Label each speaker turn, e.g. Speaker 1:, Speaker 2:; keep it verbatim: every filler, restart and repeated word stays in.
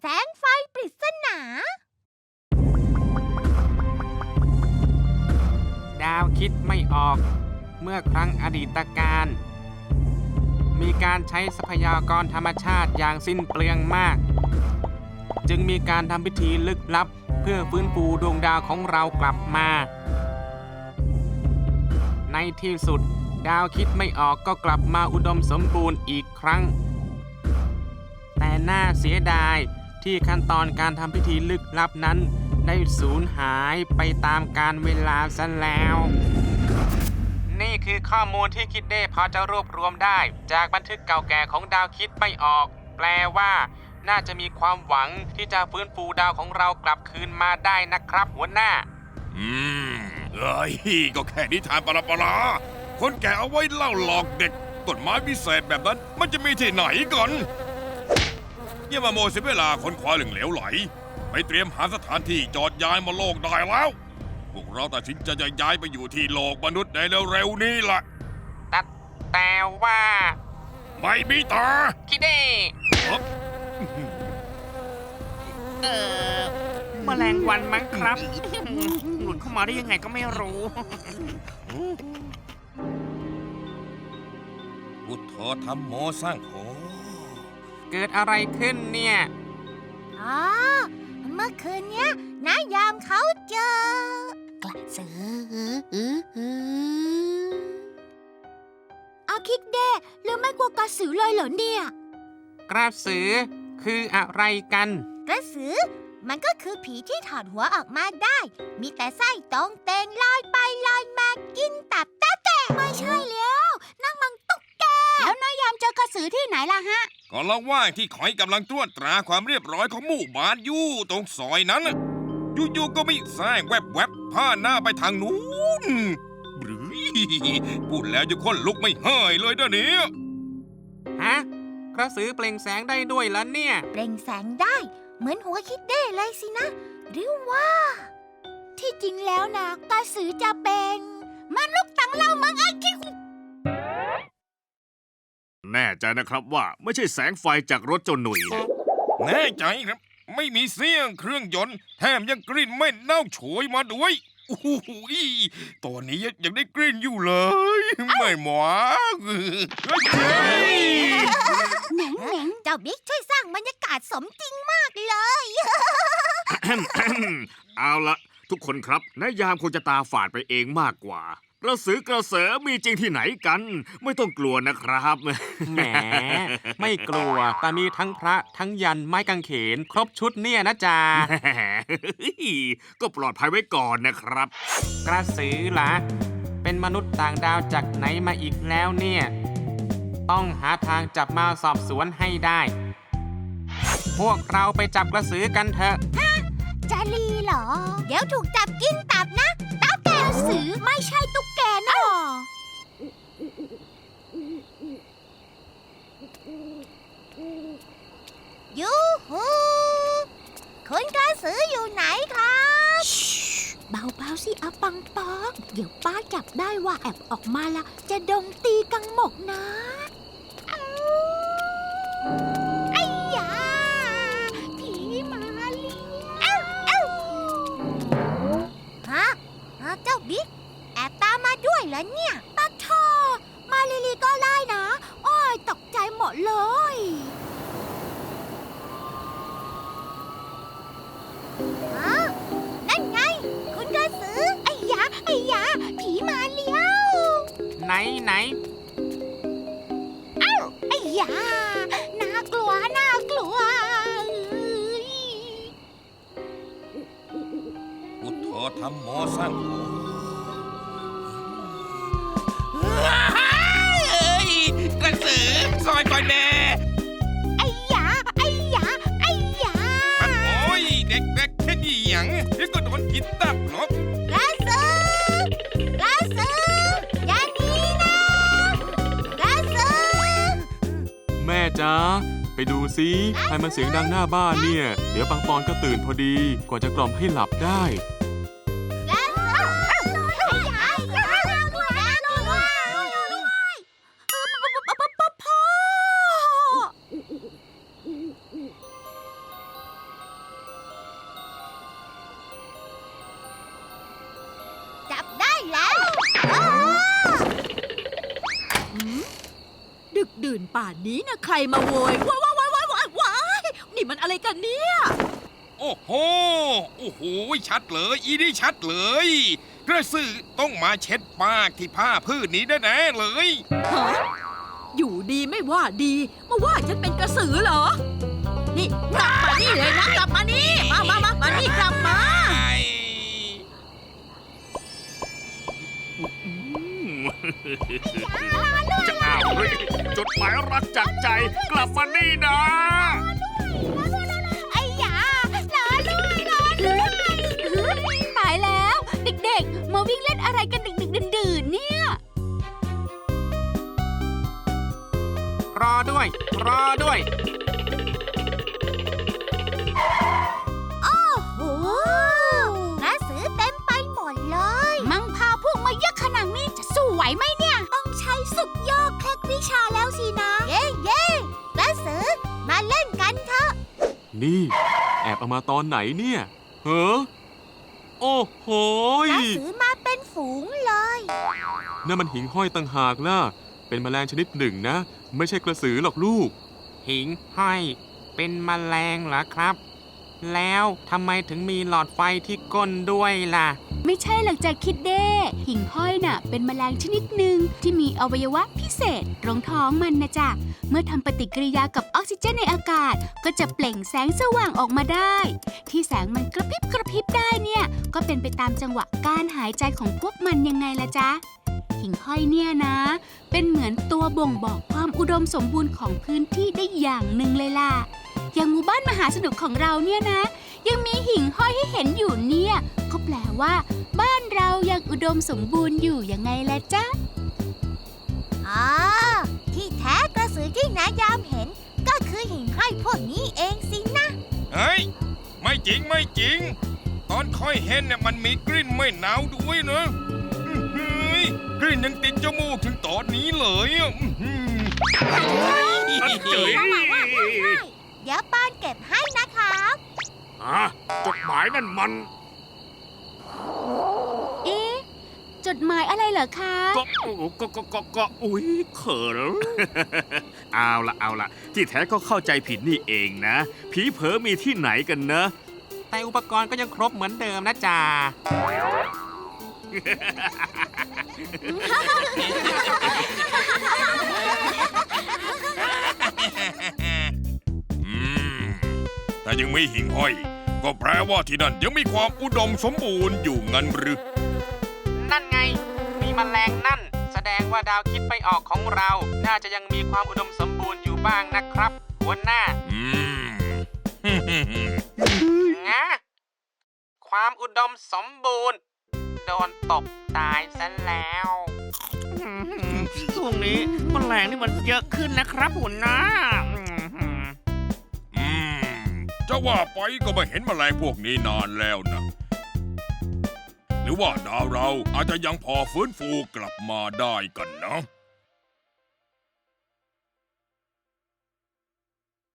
Speaker 1: แสงไฟปริศนา
Speaker 2: ดาวคิดไม่ออกเมื่อครั้งอดีตการมีการใช้ทรัพยากรธรรมชาติอย่างสิ้นเปลืองมากจึงมีการทำพิธีลึกลับเพื่อฟื้นฟูดวงดาวของเรากลับมาในที่สุดดาวคิดไม่ออกก็กลับมาอุดมสมบูรณ์อีกครั้งแต่น่าเสียดายที่ขั้นตอนการทำพิธีลึกลับนั้นได้สูญหายไปตามกาลเวลาซะแล้วนี่คือข้อมูลที่คิดเด้พอจะรวบรวมได้จากบันทึกเก่าแก่ของดาวคิดไม่ออกแปลว่าน่าจะมีความหวังที่จะฟื้นฟูดาวของเรากลับคืนมาได้นะครับหัวหน้า
Speaker 3: อืมเอ้ยก็แค่นิทานปลาปลาคนแก่เอาไว้เล่าหลอกเด็กต้นไม้พิเศษแบบนั้นมันจะมีที่ไหนก่อนอย่ามาโมเสียเวลาคนควายเหลืองเหลวไหลไปเตรียมหาสถานที่จอดย้ายมาโลกได้แล้วพวกเราตัดสินใจจะย้ายไปอยู่ที่โลกมนุษย์ในเร็วๆนี้ล่ะ
Speaker 2: แต่แต่ว่า
Speaker 3: ไม่มีตา
Speaker 2: คิดเด้เออแมลงวันมั้งครับหลุดเข้ามาได้ยังไงก็ไม่รู้
Speaker 3: พุทโธธัมโมสร้างโฆ
Speaker 2: เกิดอะไรขึ้นเนี่ย
Speaker 1: อ๋อเมื่อคืนเนี้ยนายามเขาเจอกระสือเอาคิดเด้หรือไม่กลัวกระสือเลยเหรอเนี่ย
Speaker 2: กระสือคืออะไรกัน
Speaker 1: กระสือมันก็คือผีที่ถอดหัวออกมาได้มีแต่ไส้ตรงเตงลอยไปลอยมากินตับตาแตกไม่ใช่แล้วนั่งมังตุ๊กแกแล้วนายยามเจอกระสือที่ไหนล่ะฮะ
Speaker 3: ก็ระหว่างที่คอยกำลังตรวจตราความเรียบร้อยของหมู่บ้านอยู่ตรงซอยนั้นอยู่ๆก็มีแสงแวบๆผ่านหน้าไปทางนู้นหรือพูดแล้วจะค้นลุกไม่หายเลยเดี๋ยวนี้
Speaker 2: ฮะกระสือเปล่งแสงได้ด้วยล่ะเนี่ย
Speaker 1: เปล่งแสงได้เหมือนหัวคิดเด้เลยสินะหรือว่าที่จริงแล้วนะกระสือจะเป็นมนุษย์ต่างดาวมังอาคิคุ
Speaker 4: แน่ใจนะครับว่าไม่ใช่แสงไฟจากรถเจ้าหนุ่ย
Speaker 3: แน่ใจครับไม่มีเสียงเครื่องยนต์แถมยังกลิ่นไม่เน่าโชยมาด้วยโอ้โหตอนนี้ยังได้กลิ่นอยู่เลยไม่หมอ
Speaker 1: เหน่งเหน่งเจ้าบิ๊กช่วยสร้างบรรยากาศสมจริงมากเลย
Speaker 4: เอาละทุกคนครับนายยามคงจะตาฝาดไปเองมากกว่ากระสือกระเสอมีจริงที่ไหนกันไม่ต้องกลัวนะครับ
Speaker 2: แหมไม่กลัวแต่มีทั้งพระทั้งยันไม้กางเขนครบชุดเนี่ยนะจ๊ะ
Speaker 4: ก็ปลอดภัยไว้ก่อนนะครับ
Speaker 2: กระสือล่ะเป็นมนุษย์ต่างดาวจากไหนมาอีกแล้วเนี่ยต้องหาทางจับมาสอบสวนให้ได้พวกเราไปจับกระสือกันเถอะ
Speaker 1: ฮะจะลีเหรอเดี๋ยวถูกจับกินตับนะตาแกกระสือไม่ใช่ตุ๊กแกนะยูฮูคุณกระสืออยู่ไหนครับเบาๆสิอาปังปองเดี๋ยวป้าจับได้ว่าแอบออกมาละจะดงตีกังหมกนะไอ้ยาผีมาเลี้ยฮะเจ้าบิ๊กแอบตามมาด้วยเหรอเนี่ยปัดทอมาลีลีก็ไล่นะโอ้ยตกใจหมดเลยฮะนั่นไงคุณกระสือไอ้ยาไอ้ยาผีมาเลี้ยว
Speaker 2: ไหนไหน
Speaker 1: อ้าวไอ้ยาน่ากลัวน่ากลัว
Speaker 3: พุทโธธัมโมสร้างโฆกระสือซอยก่อนแน่
Speaker 1: ไอ้ยาไอ้ยาไอ้ยา
Speaker 3: โอ้ยเด็กๆแค่นี้หยังเดี๋ยวก็โดนกินตับหรอก
Speaker 1: กระสือกระสืออย่าหนีนะกระสือ
Speaker 2: แม่จ๊ะไปดูซิใครมันเสียงดังหน้าบ้านเนี่ยเดี๋ยวปังปอนก็ตื่นพอดีกว่าจะกล่อมให้หลับได้
Speaker 5: ดื่นป่านนี้นะใครมาโวยว้ายว้ายว้ายว้ายว้ายว้ายนี่มันอะไรกันเนี่ย
Speaker 3: โอ้โห โอ้โห ชัดเลย อีนี่ชัดเลย กระสือต้องมาเช็ดปากที่ผ้าพืชนี้แน่ๆเลย
Speaker 5: ฮะอยู่ดีไม่ว่าดีมาว่าฉันเป็นกระสือเหรอ นี่กลับมานี่เลยนะกลับมานี่มามามามานี่กลับมา
Speaker 4: จะอ้าวเฮ้ยจดหมายรักจากใจกลับมานี่นะ
Speaker 1: ไอ้ยารอด้วยรอด้วยตายแล้ว เด็กๆ มาวิ่งเล่นอะไรกันดึกๆดื่นๆเนี่ย
Speaker 2: รอด้วย รอด้วย
Speaker 1: โอ้โหกระสือเต็มไปหมดเลย มังพาพวกมาเยอะขนาดนี้จะสู้ไหวไหมเนี่ย ต้องใช้สุดยอดเคล็ดวิชาแล้วสินะ เย้เย้กระสือมาเล่นกันเถอะ
Speaker 2: นี่ แอบเอามาตอนไหนเนี่ยเฮ้อโอ้โห
Speaker 1: กระสือมาเป็นฝูงเลย
Speaker 2: นั่นมันหิ่งห้อยต่างหากล่ะ เป็นแมลงชนิดหนึ่งนะ ไม่ใช่กระสือหรอกลูก หิ่งห้อย เป็นแมลงเหรอครับ แล้วทำไมถึงมีหลอดไฟที่ก้นด้วยล่ะ
Speaker 6: ไม่ใช่หรอกจากคิดเด้หิ่งห้อยน่ะเป็นแมลงชนิดหนึ่งที่มีอวัยวะพิเศษตรงท้องมันนะจ๊ะเมื่อทำปฏิกิริยากับออกซิเจนในอากาศ ก็จะเปล่งแสงสว่างออกมาได้ ที่แสงมันกระพริบกระพริบได้เนี่ยก็เป็นไปตามจังหวะการหายใจของพวกมันยังไงล่ะจ๊ะหิ่งห้อยเนี่ยนะ เป็นเหมือนตัวบ่งบอกความอุดมสมบูรณ์ของพื้นที่ได้อย่างหนึ่งเลยล่ะอย่างหมู่บ้านมหาสนุกของเราเนี่ยนะ ยังมีหิ่งห้อยให้เห็นอยู่เนี่ยก็แปลว่า บ้านเรายังอุดมสมบูรณ์อยู่ยังไงล่ะจ๊ะ
Speaker 1: อ๋อ ที่แท้กระสือที่นายามเห็น ก็คือหิ่งห้อยพวกนี้เองสินะ
Speaker 3: เฮ้ย ไม่จริงไม่จริง ตอนค่อยเห็นเนี่ยมันมีกลิ่นไม่หนาวด้วยนะอื้อหือกลิ่นยังติดจมูกถึงตอนนี้เลยอ่ะอื้อหือ
Speaker 4: อันเจ๋ย
Speaker 1: เดี๋ยวปานเก็บให้นะครับ
Speaker 4: อ่ะจดหมายนั่นมัน
Speaker 6: เอ๊ะจดหมายอะไรเหรอคะ
Speaker 4: ก็ก็ก็ก็ก็อุ้ยเขิน เอาละเอาละที่แท้ก็เข้าใจผิดนี่เองนะ ผีเผลอมีที่ไหนกันนะ
Speaker 2: แต่อุปกรณ์ก็ยังครบเหมือนเดิมนะจ๊ะ
Speaker 3: อืมถ้ายังไม่หิ่งห้อย ก็แปลว่าที่นั่นยังมีความอุดมสมบูรณ์อยู่งั้นหรือ
Speaker 2: นั่นไง มีแมลงนั่น แสดงว่าดาวคิดไปออกของเรา น่าจะยังมีความอุดมสมบูรณ์อยู่บ้างนะครับ หัวหน้า
Speaker 3: อืม
Speaker 2: งะความอุดมสมบูรณ์ โดนตบตายซะแล้ว
Speaker 7: ช่วงนี้แมลงนี่มันเยอะขึ้นนะครับหัวหน้า
Speaker 3: อืม จะว่าไปก็ไม่เห็นแมลงพวกนี้นานแล้วนะ หรือว่าดาวเราอาจจะยังพอฟื้นฟูกลับมาได้กันนะ